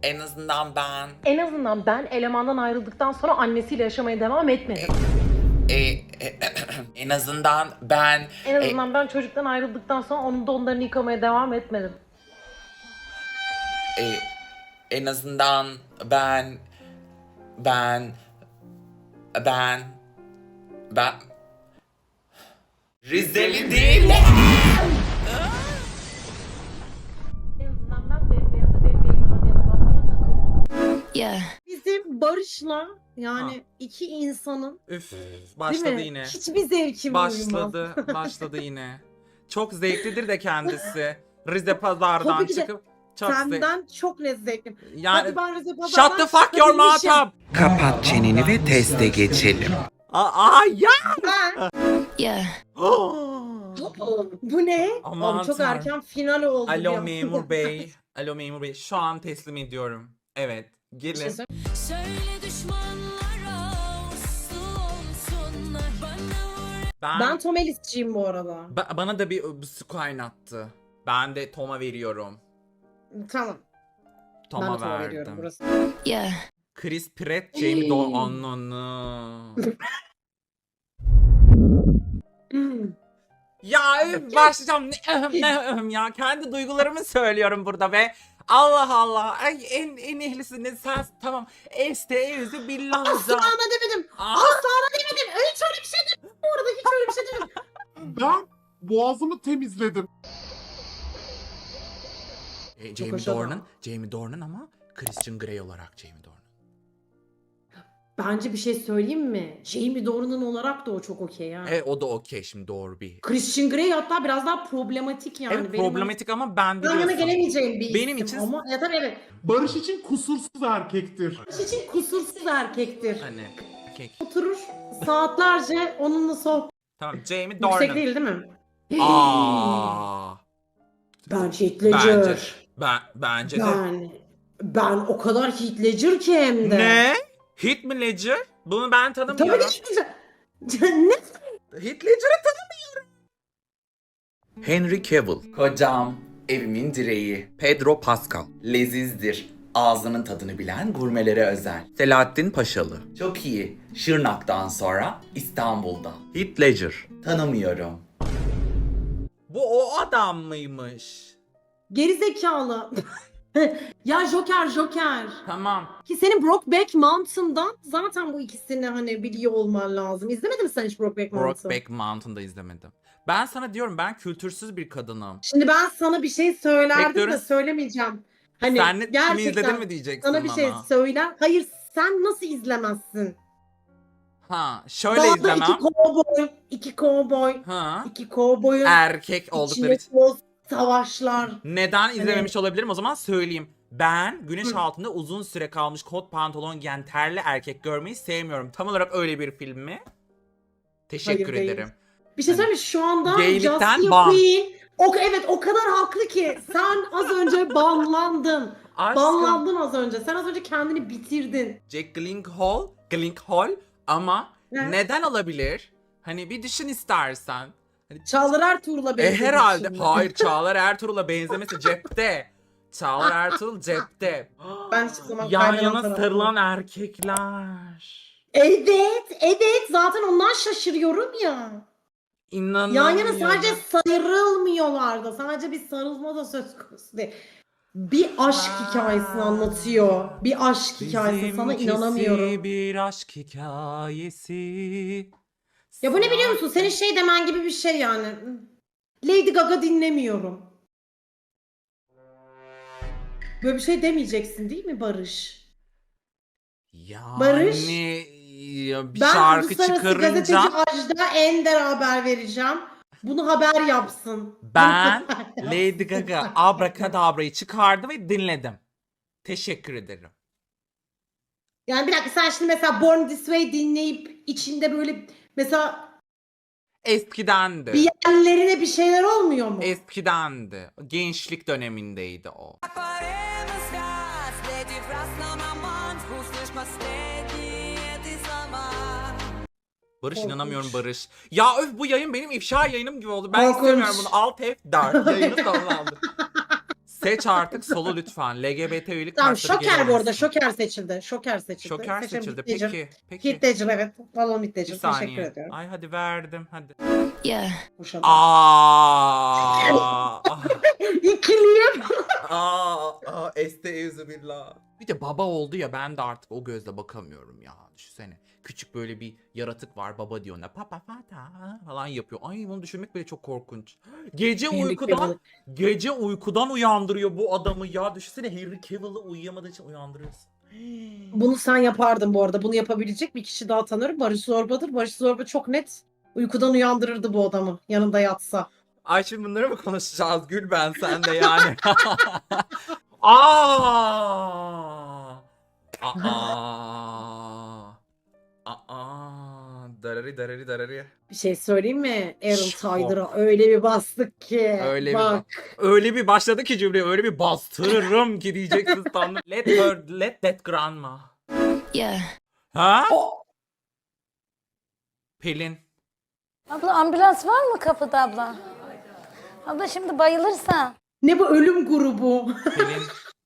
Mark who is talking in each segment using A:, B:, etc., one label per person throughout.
A: En azından ben...
B: En azından ben elemandan ayrıldıktan sonra annesiyle yaşamaya devam etmedim.
A: En azından ben...
B: En azından ben çocuktan ayrıldıktan sonra onun donlarını yıkamaya devam etmedim.
A: En azından ben... Rizeli değilim.
B: En azından ben bembeyaz diye adamlara takılmadım.
C: Yeah.
D: Bizim Barış'la yani
E: Ha.
D: iki insanın
E: Üf,
D: değil
E: başladı
D: mi?
E: yine.
D: Hiçbir zevkim uymaz.
E: Başladı yine. Çok zevklidir de kendisi. Rize Pazar'dan
D: Tabii ki de
E: çıkıp çok
D: Senden çok zevklim.
E: Yani
D: Hadi ben Rize Pazar'dan
E: shut the fuck your mouth
D: çıkabilmişim.
E: up.
A: Kapat çeneni ve teste geçelim.
E: Ya.
D: Ben...
C: Yeah.
D: Bu ne?
E: Aman
D: Abi çok
E: tanrım.
D: erken final oldu. bir
E: Alo
D: an.
E: memur bey. Alo memur bey. Şu an teslim ediyorum. Evet.
D: Bir şey
E: Gelin.
D: söyle-
C: Söyle düşmanlara uslu olsunlar.
D: Ben Tom Ellis'ciyim bu arada.
E: Bana da bir su kaynattı. Ben de Tom'a veriyorum.
D: Tamam. Ben
E: Tom'a
D: de Tom'a veriyorum
E: verdim.
D: burası.
C: Yeah.
E: Chris Pratt, Jamie Dornan. Ya başlayacağım ne ya kendi duygularımı söylüyorum burada be. Allah Allah. Ay en ehlisiniz sen tamam. Estaizu billanza.
D: Asla demedim. Asla demedim. Hiç öyle bir şey demedim. Bu arada hiç öyle bir şey demedim.
F: Ben boğazımı temizledim.
E: Jamie
D: hoş adam.
E: Dornan ama Christian Grey olarak Jamie Dornan.
D: Bence bir şey söyleyeyim mi? Jamie Dornan olarak da o çok okey ya.
E: O da okey şimdi doğru bir.
D: Christian Grey hatta biraz daha problematik yani.
E: Evet
D: Benim
E: problematik ama ben
D: yan yana
E: biliyorsun.
D: gelemeyeceğim bir
E: Benim
D: isim
E: için-
D: ama ya tabii evet.
F: Barış için kusursuz erkektir.
D: Barış için kusursuz erkektir.
E: Hani okey.
D: Oturur saatlerce onunla sohbet.
E: Tamam Jamie
D: Yüksek
E: Dornan.
D: değil değil mi?
E: Aa.
D: Bence Heath Ledger.
E: Bence de.
D: Ben o kadar Heath Ledger ki hem de.
E: Ne? Heath mi Ledger? Bunu ben
D: Tabii
E: tanımıyorum.
D: ki ne?
E: Heath Ledger'ı tanımıyorum.
A: Henry Cavill. Kocam, evimin direği. Pedro Pascal. Lezizdir. Ağzının tadını bilen gurmelere özel. Selahattin Paşalı. Çok iyi. Şırnak'tan sonra İstanbul'da. Heath Ledger. Tanımıyorum.
E: Bu o adam mıymış?
D: Geri zekalı. Ya Joker.
E: Tamam.
D: Ki senin Brokeback Mountain'dan zaten bu ikisini hani biliyor olman lazım. İzlemedin mi sen hiç Brokeback Mountain?
E: Brokeback Mountain'da izlemedim. Ben sana diyorum ben kültürsüz bir kadınım.
D: Şimdi ben sana bir şey söylerdim de
E: Bekliyoruz.
D: söylemeyeceğim. Hani
E: Sen kimi
D: gerçekten
E: izledin mi diyeceksin
D: sana bir
E: bana.
D: şey söyler. Hayır sen nasıl izlemezsin?
E: Ha şöyle
D: Dağda
E: izlemem.
D: iki kovboy,
E: Ha.
D: iki kovboyun
E: Erkek oldukları
D: içine
E: için.
D: toz savaşlar.
E: Neden izlememiş olabilirim o zaman söyleyeyim. Ben güneş altında uzun süre kalmış kot pantolon giyen terli erkek görmeyi sevmiyorum. Tam olarak öyle bir film mi? Teşekkür
D: Hayır, değil.
E: ederim.
D: Bir şey
E: Hani
D: söyleyeyim mi? Şu anda
E: gaylikten
D: Justin
E: ban.
D: Queen evet o kadar haklı ki sen az önce banlandın.
E: Aşkım.
D: Banlandın az önce. Sen az önce kendini bitirdin.
E: Jack Gyllenhaal ama
D: Ne?
E: neden olabilir? Hani bir düşün istersen. Hani,
D: Çağlar Ertuğrul'a benzedik
E: herhalde.
D: şimdi.
E: Hayır Çağlar Ertuğrul'a benzemesi cepte. Çağlar Ertuğrul cepte.
D: Ben hiçbir zaman
E: Yan
D: kaybeden
E: yana
D: tarafım.
E: sarılan erkekler.
D: Evet zaten ondan şaşırıyorum ya.
E: İnanamıyorum.
D: Yan yana sadece sarılmıyorlar da. Sadece bir sarılma da söz konusu değil. Bir aşk hikayesini anlatıyor. Bir aşk hikayesi. Sana
E: Bizimkisi
D: inanamıyorum.
E: bir aşk hikayesi.
D: Ya bu ne biliyor musun? Senin şey demen gibi bir şey yani. Lady Gaga dinlemiyorum. Böyle bir şey demeyeceksin değil mi Barış?
E: Yani
D: Barış,
E: ya bir
D: Ben
E: şarkı
D: Uluslararası Gazeteci
E: çıkarınca
D: Ajda Ender haber vereceğim. Bunu haber yapsın.
E: ben
D: Bunu haber yapsın.
E: Lady Gaga Abracadabra'yı çıkardı ve dinledim. Teşekkür ederim.
D: Yani bir dakika sen şimdi mesela Born This Way dinleyip içinde böyle mesela
E: Eskidendi.
D: bir yerlerine bir şeyler olmuyor mu?
E: Eskidendi. Gençlik dönemindeydi o. Barış
D: Korkunç.
E: inanamıyorum Barış. Ya öf bu yayın benim ifşa yayınım gibi oldu. Ben
D: Korkunç.
E: istemiyorum bunu. Alt F4 yayını sonlandı. Seç artık solu lütfen. LGBT üyelik
D: Tamam
E: kartları
D: Şoker
E: gelir
D: bu arada.
E: misin?
D: Şoker seçildi. Şoker seçildi.
E: Şoker
D: Seçelim,
E: seçildi.
D: Heath Ledger.
E: Peki. Peki.
D: Heath Ledger evet. Balon Heath
E: Bir
D: Ledger. Teşekkür
E: saniye.
D: ediyorum.
E: Ay hadi verdim hadi.
C: Yeah.
D: Boşadım.
E: Aa.
D: İkiliyim.
E: Estağfirullah. Bir de baba oldu ya, ben de artık o gözle bakamıyorum ya. Düşünsene. Küçük böyle bir yaratık var, baba diyor ona papa fata falan yapıyor. Ay bunu düşünmek bile çok korkunç.
D: Henry Cavill.
E: Gece uykudan uyandırıyor bu adamı ya. Düşünsene Henry Cavill'ı uyuyamadığı için uyandırıyorsun.
D: Bunu sen yapardın bu arada. Bunu yapabilecek bir kişi daha tanırım. Barış Zorba'dır. Barış Zorba çok net uykudan uyandırırdı bu adamı. Yanında yatsa.
E: Ay şimdi bunları mı konuşacağız Gül, ben sen de yani. Aa! Aa! Aa! Darari darari darari.
D: Bir şey söyleyeyim mi? Aaron
E: Şok.
D: Tyler'a öyle bir bastık ki.
E: Öyle bir
D: Bak.
E: Öyle bir başladı ki cümleyi, öyle bir bastırırım ki diyeceksin sandım. Let that grandma.
C: Yeah.
E: Ha?
D: O-
E: Pelin.
G: Abla ambulans var mı kapıda abla? Abla şimdi bayılırsa.
D: Ne bu ölüm grubu?
E: Pelin.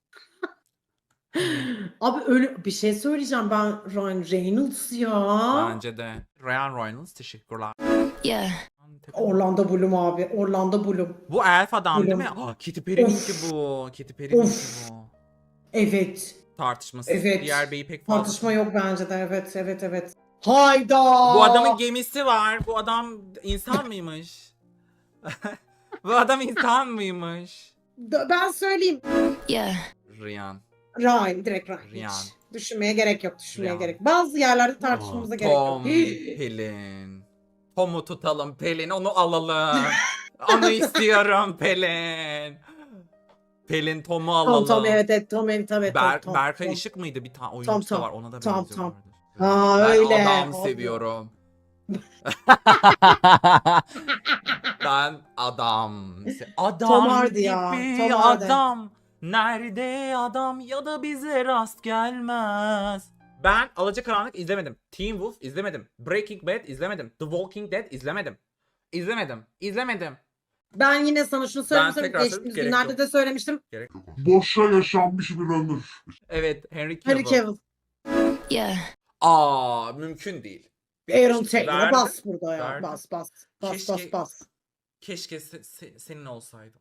D: Abi ölü bir şey söyleyeceğim ben Ryan Reynolds ya.
E: Bence de. Ryan Reynolds teşekkürler.
C: Yeah.
D: Orlando Bloom abi. Orlando Bloom.
E: Bu elf adam değil mi?
D: Bloom.
E: Aa, Katy Perry'ninki
D: Of.
E: bu. Katy Perry'ninki
D: Of.
E: bu.
D: Evet.
E: Tartışmasız.
D: Evet.
E: Diğer beyi pek fazla.
D: Tartışma yok bence de. Evet evet evet. Hayda.
E: Bu adamın gemisi var. Bu adam insan mıymış? Bu adam insan mıymış?
D: Ben söyleyeyim.
C: Yeah.
E: Ryan.
D: Ryan. Direkt Ryan.
E: Ryan.
D: Hiç. Düşünmeye gerek yok. Düşünmeye
E: Ryan.
D: gerek. Bazı yerlerde tartışmamıza gerek yok.
E: Tom, Pelin. Tom'u tutalım Pelin, onu alalım. Onu istiyorum Pelin. Pelin Tom'u alalım.
D: Tom evet evet Tom evet evet. Tom,
E: Berkay
D: Tom.
E: Işık mıydı bir tane oyuncu
D: Tom.
E: da var, ona da
D: Tom,
E: benziyorlardı.
D: Aa,
E: Ben
D: öyle.
E: adam
D: Abi.
E: seviyorum. Ben adam. Adam
D: Tom Hardy ya,
E: gibi
D: Tom Hardy.
E: adam. Nerede adam ya da bize rast gelmez. Ben Alacakaranlık izlemedim. Teen Wolf izlemedim. Breaking Bad izlemedim. The Walking Dead izlemedim. İzlemedim.
D: Ben yine sana şunu söyleyeyim.
E: tekrar
D: Geçtiğimiz
E: söyleyeyim, gerek
D: günlerde
E: yok.
D: de söylemiştim.
F: Boşa yaşanmış bir ömür.
E: Evet, Henry Cavill.
D: Harry Cavill.
C: Yeah.
E: Aa, mümkün değil.
D: Aaron Taylor'a
E: Verdim,
D: bas burada ya.
E: verdim.
D: Bas bas. Bas
E: Keşke-
D: bas bas.
E: Keşke senin olsaydım.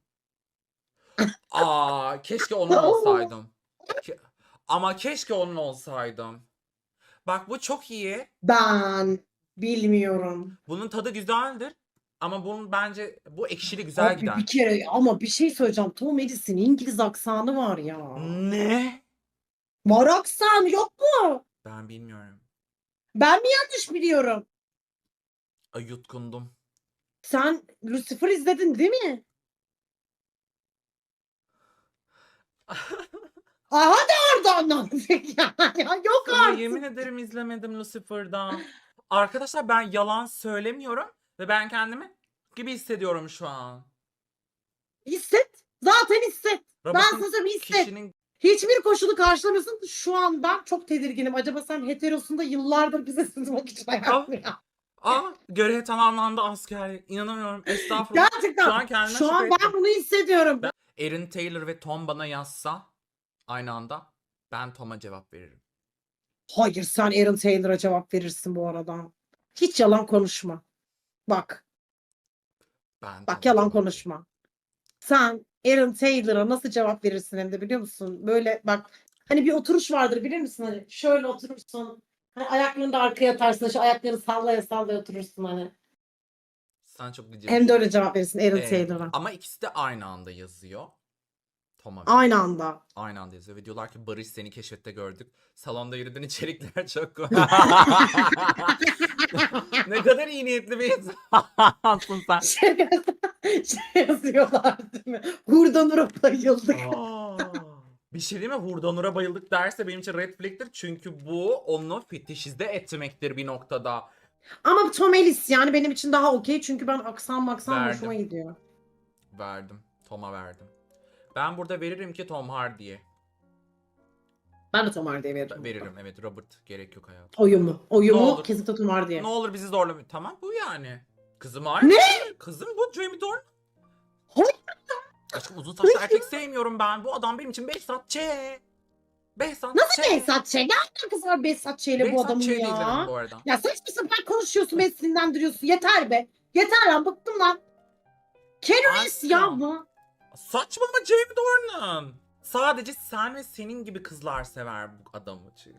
E: Aa, keşke onun olsaydım. Ama keşke onun olsaydım. Bak bu çok iyi.
D: Ben bilmiyorum.
E: Bunun tadı güzeldir. Ama bunun bence bu ekşili güzel
D: Abi
E: gider.
D: bir kere ama bir şey söyleyeceğim. Tom Edis'in İngiliz aksanı var ya.
E: Ne?
D: Var aksan yok mu?
E: Ben bilmiyorum.
D: Ben mi yanlış biliyorum?
E: Ay, yutkundum.
D: Sen Lucifer izledin değil mi? Aha da oradan anladık ya. Ya yok
E: Sana
D: artık.
E: yemin ederim izlemedim Lucifer'dan. Arkadaşlar ben yalan söylemiyorum. Ve ben kendimi gibi hissediyorum şu an.
D: Hisset. Zaten hisset. Ben
E: Robotun
D: sana söyleyeyim hisset.
E: kişinin
D: Hiçbir koşulu karşılamıyorsun. Şu an ben çok tedirginim. Acaba sen heterosunda yıllardır bize sızmak için hayatını yap.
E: görev tamamlandı asker. İnanamıyorum. Estağfurullah.
D: Gerçekten.
E: Şu an kendime
D: Şu an
E: şüphe
D: ben
E: ettim.
D: bunu hissediyorum.
E: Aaron Taylor ve Tom bana yazsa aynı anda ben Tom'a cevap veririm.
D: Hayır sen Aaron Taylor'a cevap verirsin bu arada. Hiç yalan konuşma. Bak
E: Ben
D: bak
E: Tom'a
D: yalan
E: cevap
D: konuşma. Sen Aaron Taylor'a nasıl cevap verirsin hem de biliyor musun? Böyle bak hani bir oturuş vardır bilir misin? Hani şöyle oturursun. Hani ayaklarını da arkaya atarsın. Şu ayaklarını sallaya sallaya oturursun hani.
E: Sen çok gıcık.
D: Hem de öyle cevap verirsin Aaron
E: Ee,
D: Taylor'a.
E: Ama ikisi de aynı anda yazıyor. Tom'a
D: Aynı anda.
E: Aynı anda yazıyor ve diyorlar ki Barış seni keşfette gördük. Salonda yürüdüğün içerikler çok ne kadar iyi niyetli bir insansın sen.
D: Şey yazıyorlar değil mi? Hurda Nur'a bayıldık.
E: Bir şey değil mi? Hurdanur'a bayıldık derse benim için red flag'tir. Çünkü bu onu fetişize etmektir bir noktada.
D: Ama Tom Ellis yani benim için daha okey çünkü ben aksan maksan
E: Verdim.
D: hoşuma gidiyor.
E: Verdim. Tom'a verdim. Ben burada veririm ki Tom Hardy'ye.
D: Ben de Tom Hardy'ye veririm.
E: Veririm evet, Robert gerek yok hayatım.
D: Oyumu.
E: Ne
D: Oyumu
E: olur.
D: kesinlikle Tom Hardy'ye.
E: Ne olur bizi zorlamayın. Tamam bu yani. Kızım var.
D: Ne?
E: Kızım bu Jamie Dornan.
D: Hayır.
E: Aşkım uzun saçlı erkek sevmiyorum ben. Bu adam benim için Behzat Ç. Behzat
D: Nasıl
E: Ç.
D: Behzat Ç? Ne alakası var Behzat Ç ile bu
E: Behzat
D: adamın
E: Ç'yi de izlemedim
D: ya?
E: bu arada.
D: Ya saçma sapan konuşuyorsun, beni sinirlendiriyorsun. Yeter be. Yeter lan, bıktım lan. Keanu ya
E: Aşkım.
D: bu.
E: Saçmalama Jamie Dornan. Sadece sen ve senin gibi kızlar sever bu adamı çünkü.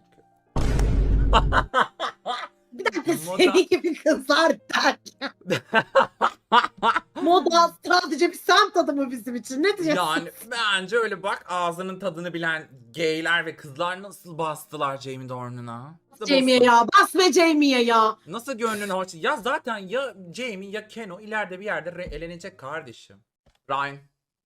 D: Bir dakika,
E: Moda.
D: senin gibi kızlar derken. Moda sadece bir semt adamı bizim için. Ne diyeceksin?
E: Yani bence öyle bak, ağzının tadını bilen gayler ve kızlar nasıl bastılar Jamie Dornan'a. Nasıl
D: Jamie'ye ya. Basma Jamie'ye ya.
E: Nasıl gönlünü hoş. Ya zaten ya Jamie ya Keno ileride bir yerde elenecek kardeşim. Ryan.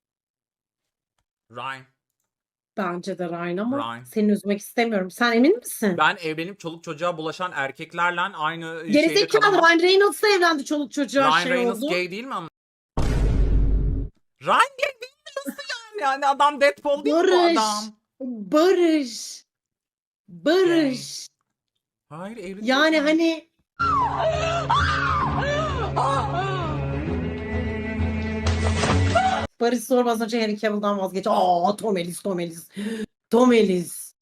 E: Ryan.
D: Bence de Ryan ama
E: Ryan.
D: seni üzmek istemiyorum. Sen emin misin?
E: Ben evlenip çoluk çocuğa bulaşan erkeklerle aynı şeyde
D: Gerizekalı,
E: kalamam.
D: Ryan Reynolds'la evlendi, çoluk çocuğa
E: Ryan
D: şey
E: Reynolds
D: oldu.
E: gay değil mi ama? Ryan gay değil mi? Nasıl yani? Yani adam Deadpool değil mi bu
D: Barış.
E: adam?
D: Barış. Barış.
E: Hayır evli
D: Yani
E: değil mi?
D: hani Barış sormaz önce Henry Cavill'dan vazgeç. Aa, Tom Ellis, Tom Ellis. Tom Ellis.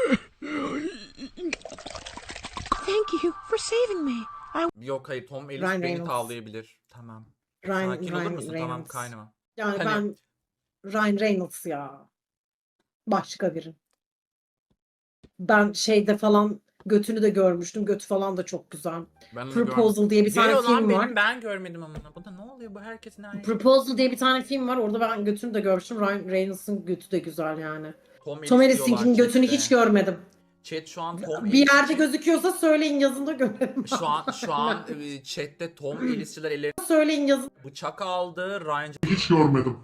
E: Yok hayır, Tom Ellis
D: Ryan
E: beni
D: Reynolds.
E: tavlayabilir. Tamam.
D: Ryan,
E: Sakin olur
D: Ryan
E: musun?
D: Reynolds.
E: Tamam kaynama.
D: Yani
E: Hani-
D: ben Ryan Reynolds ya. Başka biri. Ben şeyde falan götünü de görmüştüm. Götü falan da çok güzel.
E: Ben onu
D: Proposal diye bir
E: Gay
D: tane
E: olan
D: film
E: benim,
D: var.
E: ben görmedim ama. Bu da ne oluyor bu herkesin aynı.
D: Proposal diye bir tane film var. Orada ben götünü de görmüştüm. Ryan Reynolds'ın götü de güzel yani.
E: Tom
D: Tom
E: Ellis
D: Ellis'inkinin
E: diyorlar
D: götünü
E: chatte.
D: hiç görmedim.
E: Chat şu an Tom
D: Bir
E: Ellis
D: yerde
E: için-
D: gözüküyorsa söyleyin, yazın da görelim.
E: şu an chatte Tom Ellis'çiler ellerine
D: Söyleyin, yazın.
E: bıçak aldı. Ryan
F: Hiç görmedim.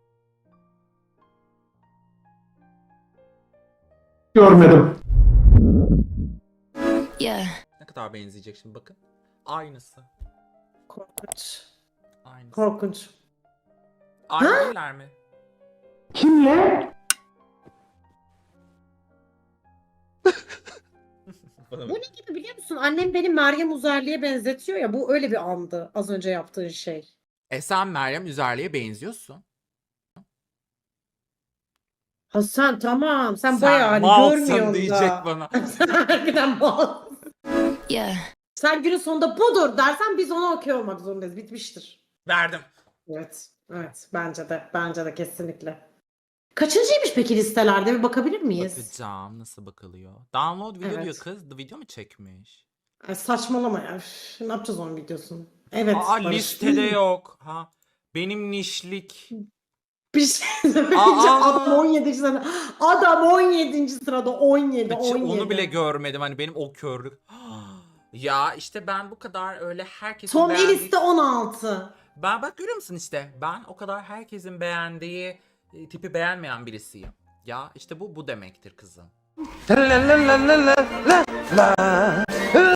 C: Yeah.
E: ne kadar benzeyecek şimdi bakın. Aynısı.
D: Korkunç.
E: Aynısı.
D: Korkunç.
E: Aynı değiller mi?
D: Bu ne gibi biliyor musun? Annem beni Meryem Uzerli'ye benzetiyor ya. Bu öyle bir andı az önce yaptığın şey.
E: Sen Meryem Üzerli'ye benziyorsun.
D: Ha sen tamam. Sen bayağı hani
E: malsın
D: görmüyorsun
E: diyecek
D: da.
E: bana.
D: Sen harbiden malsın.
C: Yeah.
D: Sen günün sonunda budur dersen biz ona okey olmak zorundayız. Bitmiştir.
E: Verdim.
D: Evet. Evet. Bence de. Bence de kesinlikle. Kaçıncıymış peki listelerde? Bir bakabilir miyiz?
E: Bakacağım nasıl bakılıyor. Download video
D: Evet.
E: diyor kız. The video mu çekmiş?
D: Ay saçmalama ya. Üf, ne yapacağız onun videosunu? Evet.
E: Aa
D: Barış.
E: listede yok. Ha. Benim nişlik.
D: Bir şey söyleyince
E: Aa!
D: adam 17. sırada. Adam 17. sırada. 17.
E: Hiç
D: 17.
E: onu bile görmedim hani benim o körlük. Ya işte ben bu kadar öyle herkesin
D: Tom
E: beğendiği...
D: Ellis de 16.
E: Ben bak görüyor musun işte ben o kadar herkesin beğendiği tipi beğenmeyen birisiyim. Ya işte bu demektir kızım.